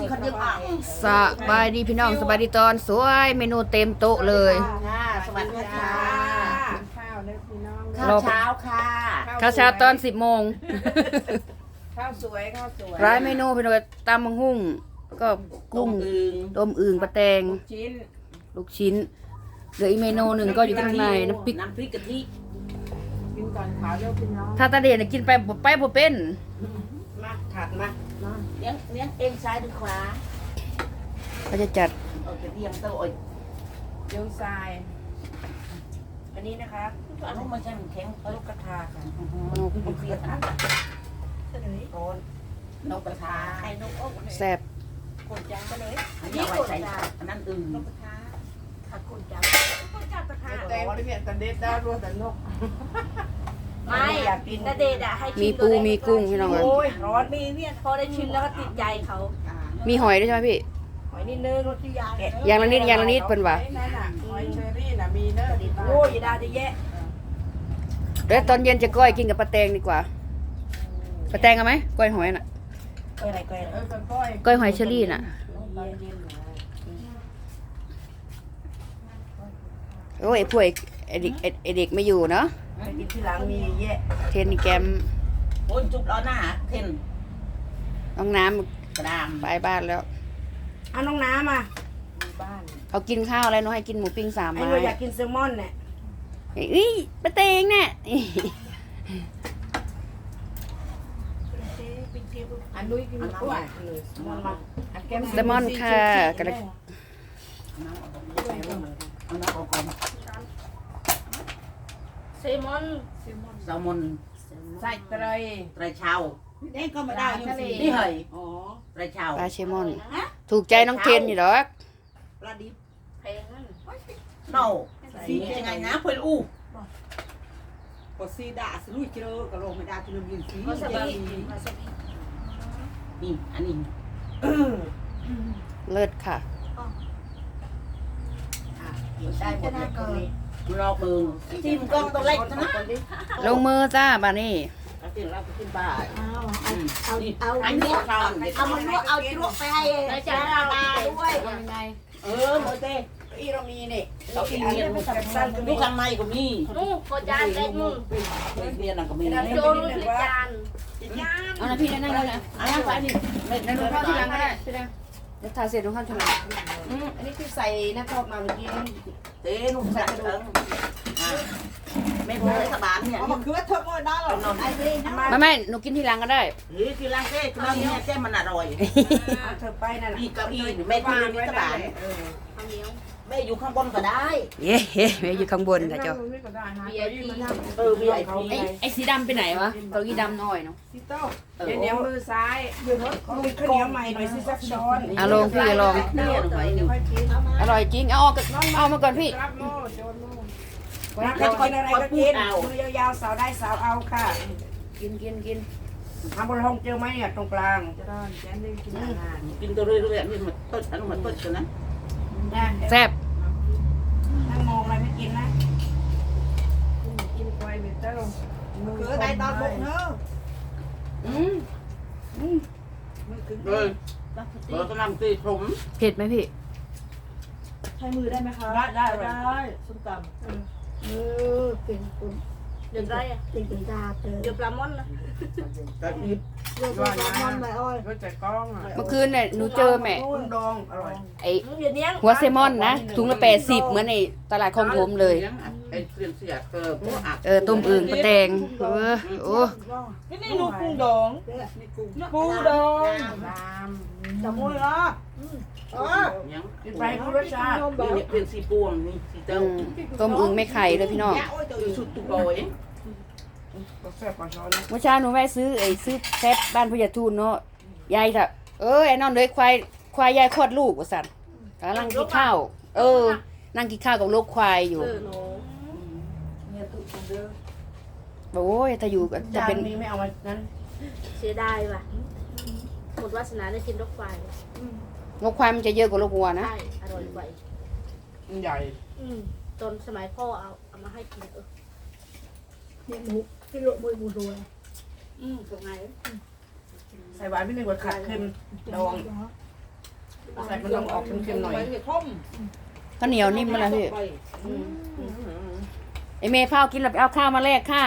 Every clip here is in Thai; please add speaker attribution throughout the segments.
Speaker 1: คันยังอ่ะ
Speaker 2: สบายดีพี่น้องสบายดีตอนสวยเมนูเต็มโต๊ะเลย
Speaker 1: ค่ะสวัสดีค่ะ
Speaker 3: ข้าวเลยพี่น้อง
Speaker 1: ข้าวเช้าค่ะ
Speaker 2: ข้าวเช้าตอน10 โมง
Speaker 3: ข้าวสวยข้าวสวย
Speaker 2: ร้ายเมนูพี่น้องตำมังหุ่งแล้วก็กุ้งต้มอึ่งปลาแตง
Speaker 3: ชิ้น
Speaker 2: ลูกชิ้นเหลืออีกเมนูหนึ่งก็อยู่ข้างในน้ำพริก
Speaker 1: น้ำพริกกะทิ
Speaker 3: กินก่อนขาวเร็วพี่น้อง
Speaker 2: ถ้าตาเดียนกินไปบ่เป็น
Speaker 3: มาถัดมา
Speaker 1: เลี้ยงเอ็นซ้ายหรือขวา
Speaker 2: เขาจะจัด
Speaker 1: เอาไปเรียงเต้าอ่อย
Speaker 3: เดี๋ยวทรายอันนี้นะคะ
Speaker 1: อันนู้นมันใช่มันแข็ง
Speaker 3: ลูกกระทาค่ะ
Speaker 1: มันเปียกนะโอนนกกระทาไข่นกอก
Speaker 2: แซ่บ
Speaker 3: คนจังไปเลย
Speaker 1: อันนี้เอาไว้ใส่อันนั้นอึ่ง
Speaker 3: นกกระทา
Speaker 1: ถ้าคนจับ
Speaker 3: แตงไปเนี่ยตันเด็ดดาวรัวแต่นก
Speaker 4: ไม่แต่เดดอะให้ชิ
Speaker 2: มีปูมีกุ้งพี่น้อง
Speaker 3: โอ้ยร้อน
Speaker 4: มีเนี่ยพอได้ชิมแล้วก็ติดใจเขา
Speaker 2: มีหอยด้วยใช่ไหมพี่
Speaker 3: หอยนิดนึงรสที่ยา
Speaker 2: อย่างละนิดอย่างละนิดเพิ่นว่า
Speaker 3: นั่นน่ะหอยเชอรี่น่ะมีเนอะ
Speaker 4: โอ้ยดาจะแย่
Speaker 2: เดี๋ยวตอนเย็นจะก้อยกินกับปลาแตงดีกว่าปลาแตงเอาไหมก้อยหอยน่ะ
Speaker 1: ก้อยอะไรก้อยอะไร
Speaker 3: ก้อย
Speaker 2: ก้อยหอยเชอรี่น่ะโอ้ยพวกไอ้เด็กไม่อยู่เนาะ
Speaker 3: ไปกินที่หลังมีแยะ
Speaker 2: เทนนี่แกม
Speaker 1: โอนจุบล้อหน้าเทน
Speaker 2: น้องน้
Speaker 1: กระดาม
Speaker 2: ำไปบ้านแล้ว
Speaker 4: เอาน้องน้ำอ่ะ
Speaker 3: บ้าน
Speaker 2: เขากินข้าวอะไรน้องให้กินหมูปิ้ง3
Speaker 4: ไอ้
Speaker 2: ไม้
Speaker 4: หนูอยากกินแซลมอนเนี่ย
Speaker 2: เอ้ยปลาแตงเนี่ย
Speaker 3: อันนุ้ยกินกล้วยมันมาอันแก้ม
Speaker 2: แซลมอนค่ะกระ
Speaker 1: เอาน้ำออกก่อน
Speaker 4: แซลมอน
Speaker 1: แซลมอน
Speaker 3: ใส่เตย
Speaker 1: ไตรเช้า
Speaker 3: นี่ก็มาได้ทะเล
Speaker 1: นี่เหย
Speaker 3: อ๋อ
Speaker 1: ไตรเช้า
Speaker 2: ปลาเชมอน ถูกใจน้องเทนอยู่หรอก
Speaker 1: ปลาดิบ
Speaker 4: แพงนั่น
Speaker 1: เน่าสียังไงนะเพื่อนอู้
Speaker 5: ก็ซีดาสลุยเจอก็ลงไม่ได้ที่เรายืนซี
Speaker 4: วาซาบิ
Speaker 1: นี่อันนี้
Speaker 2: เลิศค่ะ
Speaker 1: ได้หมดเลยตรงนี้รอเบิงจิ้มกล้องตัวเล็กนะ
Speaker 2: ลงมือจ้าบ้านี่
Speaker 1: เอาจิ้มเราไปขึ้นบ้าน
Speaker 4: เอา
Speaker 1: อันนี้เอา
Speaker 4: เอามันลวกเอาลวกไปให้อาจารย์ตาด้วย
Speaker 1: หมดเต้
Speaker 3: อีเรามีนี่
Speaker 1: เรากินเนียนลูกข้างในก็มี
Speaker 4: นู่นโคจานเล็กนู่น
Speaker 1: เนียนก็มี
Speaker 4: โจนู่นคือจาน
Speaker 2: เอานะพี่นั่งเลยนะ
Speaker 1: อันนั้นไปนี่ไม่
Speaker 2: นั่งลงข้าวทีหลังก็ได้พี่นะเดี๋ยวทาเสร็จลงข้าวทีหลัง
Speaker 3: อันนี้คือใส่น้ำพอกมาเมื่อกี้
Speaker 1: เต้นุ่มใส่กระดูกไม่พอเลยสบานเนี่ย
Speaker 5: เอามาคือว่าเธอโง่ได้หรอ
Speaker 1: นอนไอ้เต้นะ
Speaker 2: ไม่หนูกินทีหลังก็ได้
Speaker 1: หรือคือล้างเต้คือล้างเนี่ยเต้มันอร่อย
Speaker 3: เอาเธอไปนั่น
Speaker 1: อีกเก้าอี้แม่ที่นี่สบาน
Speaker 4: ข้าวเหนียว
Speaker 1: แม่อยู่ข้างบนก็ได้
Speaker 2: เย้แม่อยู่ข้างบนค่ะเจ้า
Speaker 1: มีไอพี
Speaker 2: ไอ้สีดำไปไหนวะเก้าอี้ดำหน่อยเนาะ
Speaker 3: ซิโต้เดี๋ยวมือซ้ายยืนรถมือข้าวเหนียวใหม่หน่อยสิสักช้อน
Speaker 2: อ่ะลองพี่ลอง
Speaker 1: เนี่ยหน่อยหนึ่ง
Speaker 3: ค่อยกิน
Speaker 2: อร่อยจริงเอาออกเอามาก่อนพี่
Speaker 3: รับโม่โจนโม่รักจะกินอะไรก็กินมือยาวๆสาวได้สาวเอาค่ะ
Speaker 2: กิน
Speaker 3: ทำบนห้องเจอไหมเนี่ยตรงกลางจะได้แกนได้กินอาหาร
Speaker 1: กินตัวเรื่อยๆนี่มันต้นอันนั้นมันต้นกันนะ
Speaker 3: นะ
Speaker 2: แซ่บ
Speaker 3: นั่งมองอะไรไม่กินนะกินควายเบเตอร์
Speaker 5: คือได้ตอนบุกเนอะ
Speaker 3: มือถึง
Speaker 1: เลยเรากำลังตีผม
Speaker 2: เผ็ดไหมพี่
Speaker 5: ใช้มือได้ไหมคะ
Speaker 3: ได้
Speaker 5: ส้มตำ
Speaker 4: เป็นคุณเดี๋ยวได้อะเดี๋ยวปลาหม้อนนะ
Speaker 1: กระดิบ
Speaker 3: ว่านะก็จะกล้องอ่ะ
Speaker 2: เมื่อคืนเนี่ยหนูเจอแม่
Speaker 3: กุ้งดองอร่อย
Speaker 2: ไอ้
Speaker 4: เดี๋ยวนี้
Speaker 2: หัวเซลมอนนะถุงละ80เหมือนในตลาดคลองถมเลย
Speaker 1: ไอ้เสียนเสียเกิดพวกอัก
Speaker 2: ต้มอึ่งปลาแตงโอ้
Speaker 5: นี่ลูกกุ้งดองกุ้งดอง
Speaker 3: ตาม
Speaker 5: จับมือเหรออ๋อ
Speaker 1: ยัง
Speaker 3: กินไปคุณรสชาติ
Speaker 1: นี่เนี่ยเป็นสีปวงนี่สีเต้า
Speaker 2: ต้มอึ่งไม่ไข่เลยพี่น้อง
Speaker 1: คือสุดตุกโอย
Speaker 3: ก็แซ่บกว่าช้อนนะ
Speaker 2: เมื่อเช้าหนูแวะซื้อแซ่บบ้านพญาทูนเนาะยายค่ะไอ้นอนเลยควายยายคลอดลูกว่าสั่นกำลังกินข้าวนั่งกินข้าวกับลูกควายอยู่
Speaker 3: เนี่ยตุ๊กเด้อ
Speaker 2: โอ้ยถ้าอยู่ก็จะ
Speaker 3: จาน
Speaker 2: เป็น
Speaker 3: นี้ไม่เอามานั้น
Speaker 4: เสียดายว่ะหมดวาสนาได้กินรกไฟ
Speaker 2: ลูกควายมันจะเยอะกว่าลูกวัวนะ
Speaker 4: ใช่อร่อยกว่า
Speaker 3: ใหญ่
Speaker 4: ตอนสมัยพ่อเอามาให้กิน
Speaker 5: นี่หมูที่โรยมวยมูรัว
Speaker 4: ตรงไหน
Speaker 3: ใส่หวานไม่หนึ่งกว่าขาดเค็มดองใส่มันลงออกเค็มๆหน่อย
Speaker 5: ไปจะท่ม
Speaker 2: ข้าวเหนียวนิ่มมาแล้วพี่ไอเมย์ข้าวกินแล้วไปเอาข้าวมาแลกค่ะ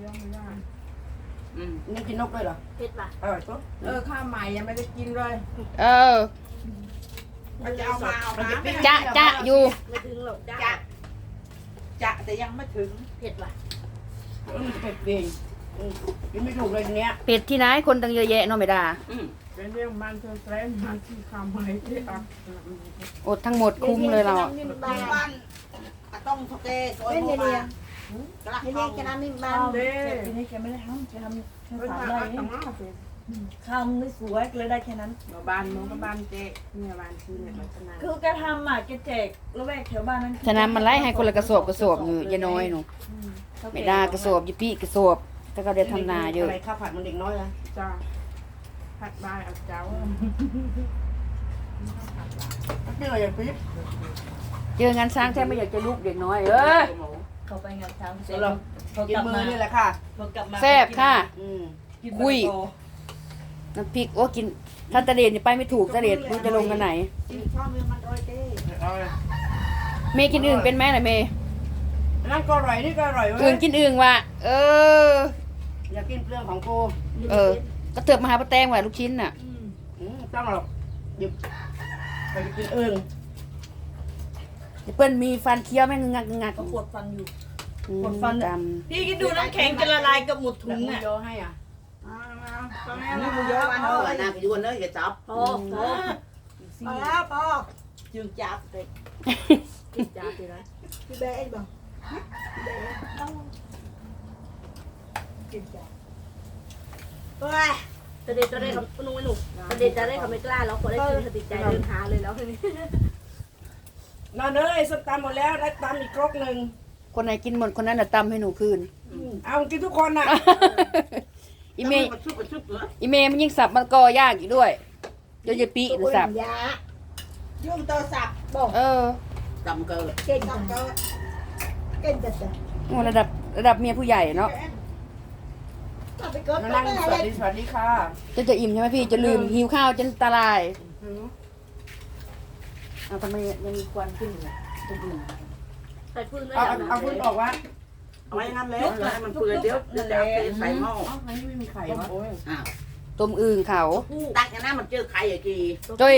Speaker 3: นี่กินนกด้วยเหรอ
Speaker 1: เผ็ดป่ะ
Speaker 3: ปุ๊บข้าวใหม่ยังไม่ได้กินเลย
Speaker 2: เออ
Speaker 5: มันจะเอามาเอามา
Speaker 2: จะอยู่
Speaker 1: ไม่ถึงหรอกจ้า
Speaker 5: จะแต่ยังไม่ถึง
Speaker 1: เผ็ดป่ะ
Speaker 3: เผ็ดเองกินไม่ถูกเลยทีเนี้ย
Speaker 2: เป็ดที่ไหนคนตั้งเยอะแยะเนาะไม่ได้
Speaker 3: เป็นเรื่องมันเธอแสดงมาที่ข้าวใหม่ที่อ่ะ
Speaker 2: อดทั้งหมดคุ้มเลยเราอะ
Speaker 1: นิ่ม
Speaker 5: บ้า
Speaker 1: บ้าน
Speaker 5: นต้องทะเลซอย
Speaker 4: ไม่
Speaker 5: โม
Speaker 4: เนีย
Speaker 5: มาน กระ
Speaker 4: ไม่
Speaker 5: ท
Speaker 4: เนีย
Speaker 5: ง
Speaker 4: นกันน้ำนิ่มบ้าน
Speaker 3: เด้
Speaker 6: ปีนี้แกไม่ได้ทำแกทำแค่
Speaker 3: เพิ่ง
Speaker 6: สาม
Speaker 3: มา
Speaker 6: ไร่
Speaker 3: อัตมาสิ
Speaker 6: ข้าวมันไม่สวยเลยได้แค่นั้น
Speaker 3: บ้านน้องกับบ้านเจ๊เนี่ยบ้านชื่อเนี่ยมันชนะ
Speaker 6: คือแกทำอ่ะแกแจกละแวกแถวบ้านนั้น
Speaker 2: ฉะนั้นมันไล่ให้คนละกระสอบอยู่ยายน้อยหนูไม่ได้กระสอบยี่ปีกระสอบถ้าเขาได้ทำนาเยอะ
Speaker 3: อะไรข้าวผัดมันเด็กน้อยนะจ้าผัดบายเอาเจ้าเปรี้ยวอย่างปิ๊บ
Speaker 2: เจองานสร้างแท้ไม่อยากจะลูกเด็กน้อยย
Speaker 6: เขาไปงานเช้าเสร็
Speaker 3: เดี๋
Speaker 6: จ
Speaker 3: ยวเรา
Speaker 6: เขา
Speaker 3: กิ
Speaker 6: ก
Speaker 3: น
Speaker 6: ลับ
Speaker 3: มือ
Speaker 6: มา
Speaker 3: นี่แหละค่ะ
Speaker 6: เขากลับมา
Speaker 2: แซ่บค่ะ
Speaker 6: กิน
Speaker 2: คุย น้ำพริกโอ้กินถ้าตะเดนนี่ไปไม่ถูกตะเดนรู้จะลงกันไหน
Speaker 5: ชอบมือมันโดยเต้
Speaker 3: เอาเลย
Speaker 2: เมย์กินอึ่งเป็นไหมล่ะเมย์
Speaker 3: นั่นก็อร่อยนี่ก็อร่อยเว้
Speaker 2: อึ่
Speaker 3: ย
Speaker 2: งกินอึ่งว่ะเออ
Speaker 3: อยากกินเปลือกของกู
Speaker 2: เออ ก็เถือบมาหาป้าแตงว่ะลูกชิ้นน่ะ
Speaker 3: ต้องหรอกหยิบไปกินอึ่ง
Speaker 2: เปิ้ลมีฟันเคี้ยวแม่งงักงัก
Speaker 6: เขาปวดฟันอยู่
Speaker 2: อืม
Speaker 6: ปวดฟัน
Speaker 2: ด
Speaker 6: พี่คิดดูน้ำแข็งจะละลายกับหมดถุ
Speaker 3: แล้ว
Speaker 6: ง
Speaker 3: หมู
Speaker 6: อ่ะ
Speaker 3: ยอให้อ่ะ
Speaker 5: นี่มึงเยอะวันเท่าไหร่นะพี่วันเนอะอย่าจับ
Speaker 6: พอพอ
Speaker 4: พอแล้วพอ
Speaker 5: จึงจับเลย
Speaker 6: กินจ้าสินะ
Speaker 4: พี่เบสบอก
Speaker 6: กินจ้า
Speaker 1: โอ้ยตะเด็ดจะได้คำนุ่งไม่หนุกตะเด็ดจะได้คำไม่กล้าแล้วพอได้กินติดใจเดินหาเลยแล้วทีนี้
Speaker 3: นอนเลยส้มตำหมดแล้วได้ตำอีกครกหนึ่ง
Speaker 2: ำคนไหนกินหมดคนนั้นน่ะตำให้หนูคืน
Speaker 3: เอากินทุกคนน่ะ
Speaker 2: อีเมย์
Speaker 5: มันชุบมันชุบเหรอ
Speaker 2: อีเมย์มันยิ่งสับมันก็ยากอีกด้วยเดี๋ยวจะปีหรือสับ
Speaker 4: ยา
Speaker 5: ยุ่งโทรศัพท์
Speaker 2: เออ
Speaker 5: จำเกิด
Speaker 4: เก่งจังเก่งจัง
Speaker 2: โอ้ระดับเมียผู้ใหญ่เนาะ
Speaker 4: เอาไปเกิด
Speaker 3: นั่งสวัสดีค่ะ
Speaker 2: จะอิ่มใช่ไหมพี่จะลืมหิวข้าวจนตาลายเอาทำไมยังมีควันขึ้นอยู่ตรงอื่น
Speaker 1: ใส่ฟืนได้
Speaker 3: เอาพื้นออกวะ
Speaker 5: เอาไว้งั้นแล้วให้มันเปื่อยเดี๋ยวจะเอาไปใส่หม้อ
Speaker 3: อ๋ออันนี้ไม่มีไข่วะ
Speaker 5: อ้าว
Speaker 2: ต้มอึ่งเขา
Speaker 5: ตักอย่างนั้นมันเจอไข่อย่างกี่
Speaker 2: จ้อย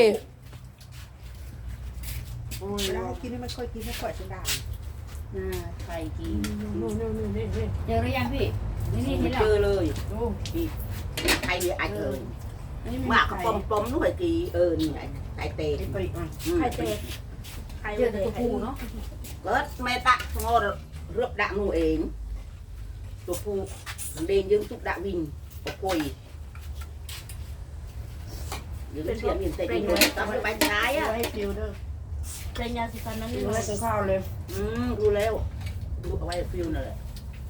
Speaker 5: เรากินให้มันค่อยกินให้ค่อยจะได้
Speaker 2: น่าไข่กี
Speaker 3: นู่นนี่
Speaker 2: เจอหรือยังพี่นี่นี่
Speaker 5: ไม่
Speaker 2: นี่แหละ
Speaker 5: เจอเลย
Speaker 3: ดู
Speaker 5: ไข่เนี่ยไอ้เกิน
Speaker 3: อันนี้
Speaker 5: มาก
Speaker 3: ไข่
Speaker 5: ปมนู่นไอ้กี่นี่ไข่เตะ
Speaker 3: ไข่ปริอ่ะ
Speaker 1: ไข่เตะไข่
Speaker 2: เจอแต่
Speaker 1: เตะ
Speaker 2: ตัวผู้เนาะ
Speaker 5: เกิดแม่ตะงอเรือบดะนู่เองตัวผู้มันเดินยืงทุกดะวิ่งปกคุยยืงเสียงยืนเตะยืนตามไปท้ายอ่ะ
Speaker 3: ให้ฟิวเด้อ
Speaker 1: เป็นยาสีฟันนั้น
Speaker 3: ฟิวให้กินข้าวเลย
Speaker 5: ดูแล้วดูเอาไว้ฟิวนั่นแหละ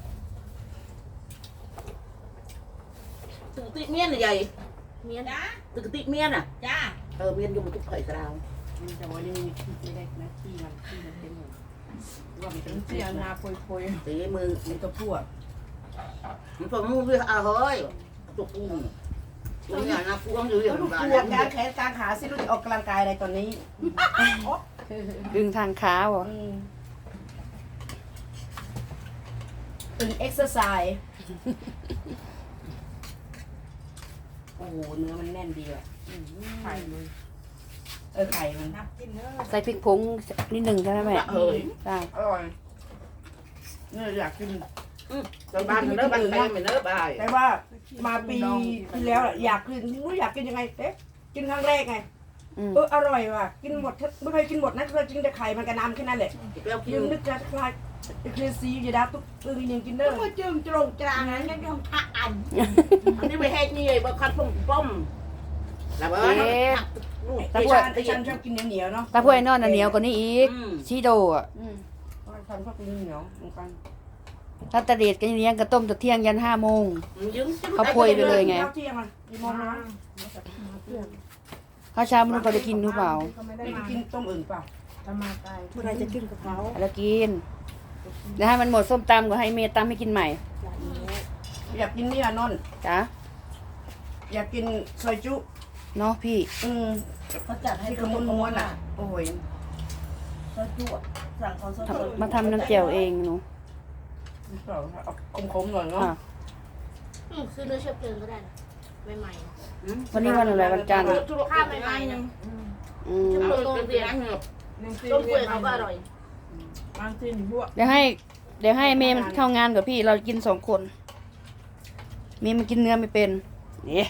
Speaker 5: ตึกติเมียนใหญ่
Speaker 1: เมียนะ
Speaker 5: ตึกติเมียนอ่ะ
Speaker 1: จ้า
Speaker 5: เมียนอยู่มันทุกไข่กระดาว
Speaker 3: แต่วันนี้ไม่ได้นะที่มันเต็มหมดว่ามันเป็นเสียนาโพย
Speaker 5: ตีมือ
Speaker 3: มีตัวผู้อ่ะ
Speaker 5: มันตัวมูด้วยเฮ้ยตัวปูตัวนี้นะปูต้องอยู่อย่าง
Speaker 3: ลูก
Speaker 5: บ้าน
Speaker 3: ปวดการแขนการขาสิลูกจะออกกำลังกายอะไรตอนนี้
Speaker 2: ดึงทางขาบ่
Speaker 3: ตึงเอ็กซ์ไซส์โอ้โหเนื้อมันแน่นดีอ่ะไข่มันไข่มัน
Speaker 2: ใส่พริกผงนิดหนึ่งใช่ไหมแม่
Speaker 5: เฮ้ย
Speaker 2: ได้
Speaker 3: อร่อยเนี่ยอยากกิน
Speaker 5: บ้านเนื้อบ้านไปไม่เนื้อบ้าน
Speaker 3: แต่ว่ามาปีที่แล้วอยากกินไม่รู้อยากกินยังไงเอ๊ะกินครั้งแรกไง อร่อยว่ะกินหมดไม่เคยกินหมดนะเคยกินแต่ไข่มันกระน้ำแค่นั้นแหละ
Speaker 5: เปรี้ยวกิ
Speaker 3: ยั
Speaker 5: น
Speaker 3: งนึกจะคลายเคลียซีอยู่ดาตุ๊กยังกินเด้อ
Speaker 4: ก็จึงตรงกลางนั้นยังต้องทักอัน
Speaker 5: อันนี้ไม่ให้นี่ไอ้บ้าคัดป้มป้มแล้วเออ
Speaker 3: ไอ้ฉันชอบกินเหนียวเนาะ
Speaker 2: ถ้าพวกไอ้นอนน่ะเหนียวกว่านี้อีกชีโดอ่ะ
Speaker 3: ฉันชอบกินเหนียวเหมือนกัน
Speaker 2: ถ้าตะเดดกันเลี้ยงกระต้มตะเที่ยงยัน5 โมง เขาโพยไปเลยไง
Speaker 3: ข้าวเที่ยงอ่ะกี่โมงนะ
Speaker 2: ข้าวเช้ามันก็จะกินหรือเปล่า
Speaker 3: ไม่ได้กินต้มอื่นเปล่า
Speaker 4: เมื่อไรจะกินกับเขา
Speaker 2: แล้วกินเดี๋ยวให้มันหมดส้มตำก็ให้เมย์ตำให้กินใหม่
Speaker 3: อยากกินนี่อ่ะนนท์
Speaker 2: จ้ะ
Speaker 3: อยากกินซอยจุ
Speaker 2: เนาะพี่
Speaker 6: เขาจัดให้
Speaker 3: ที่เขาม้วนๆอ่ะโอ้ย
Speaker 6: เขาจวดสั่งเขาสด
Speaker 2: มาทำน้ำแจ่วเองหนู
Speaker 3: เอาคมๆหน่อยเนาะ
Speaker 2: ค่ะ
Speaker 1: ซื้อเนื้อเชื้อเพลิงก็ได้นะใหม่ๆนะ
Speaker 2: วันนี้วันอะไรวันจันทร์
Speaker 1: ข้าวใหม่ๆนะ
Speaker 2: อืม
Speaker 1: เชื้อเพลิงโรงเรียนต้มเปื่อยเขาก็อร่อย
Speaker 6: บางทีหนูพวก
Speaker 2: เดี๋ยวให้เมย์มันเข้างานกับพี่เรากิน2 คนเมย์มันกินเนื้อไม่เป็นนี่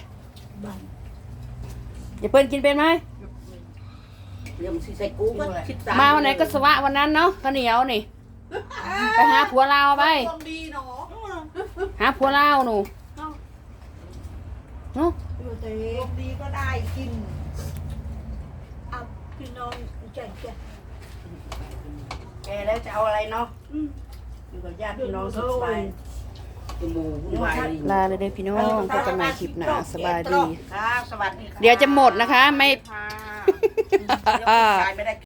Speaker 2: อย่าเปิ้ลกินเป็นไหม
Speaker 5: เดี๋ยวมันสิใส่กูก็คิดตาม
Speaker 2: มาวันไหนก็สวะวันนั้นเนาะข้าวเหนียวนี่ไปหาผัวลาวไป
Speaker 5: คนดีเนาะ
Speaker 2: หาผัวลาวหนูเนาะ
Speaker 6: คนดีก็ได้กิน
Speaker 4: เอาพี่น้องใจแก่
Speaker 3: แกแล้วจะเอาอะไรเนาะอยู่กับญาติพี่น้องสุดสบาย
Speaker 5: ตัวหมูวุ่นวายดี
Speaker 2: ลาเลยเด้อพี่น้องพบกันใหม่คลิปหน้าสบายดี
Speaker 5: ครับสวัสดีครับ
Speaker 2: เดี๋ยวจะหมดนะคะไม่
Speaker 5: ค่ะเดี๋ยวคุณยายไม่ได้